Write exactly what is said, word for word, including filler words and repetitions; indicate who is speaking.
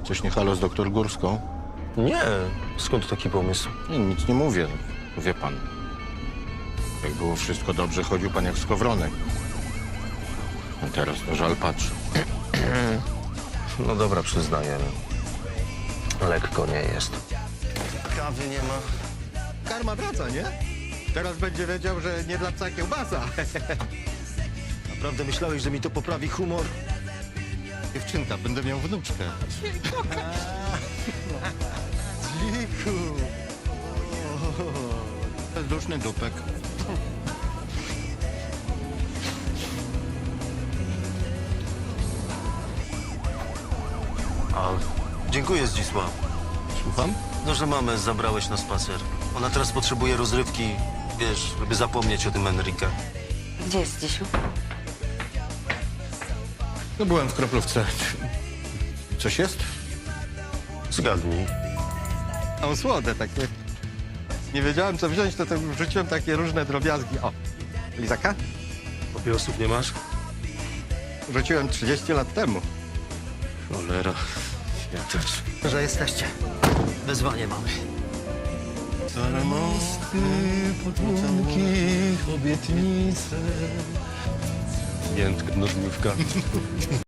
Speaker 1: Coś nie halo z doktor Górską?
Speaker 2: Nie. Skąd taki pomysł?
Speaker 1: Nie, nic nie mówię. Wie pan. Jak było wszystko dobrze, chodził pan jak skowronek. A teraz to żal patrzy.
Speaker 2: No dobra, przyznaję. Lekko nie jest.
Speaker 3: Kawy nie ma.
Speaker 1: Karma wraca, nie? Teraz będzie wiedział, że nie dla psa kiełbasa.
Speaker 3: Naprawdę myślałeś, że mi to poprawi humor?
Speaker 1: Dziewczynka, będę miał wnuczkę. Dziku. Bezduszny dupek.
Speaker 3: A, dziękuję, Zdzisław.
Speaker 1: Słucham?
Speaker 3: No, że mamę zabrałeś na spacer. Ona teraz potrzebuje rozrywki, wiesz, żeby zapomnieć o tym Enrique.
Speaker 4: Gdzie jest Dzisiu?
Speaker 1: No byłem w kroplówce. Coś jest?
Speaker 3: Zgadnij.
Speaker 1: Są słode takie. Nie wiedziałem, co wziąć, to, to wrzuciłem takie różne drobiazgi. O, lizaka?
Speaker 3: Papierosów nie masz?
Speaker 1: Rzuciłem trzydzieści lat temu.
Speaker 3: Cholera. Ja też. Że jesteście. Wezwanie mamy.
Speaker 1: Stare mosty,
Speaker 3: podwórki, obietnice.
Speaker 2: Jętka, nożniówka.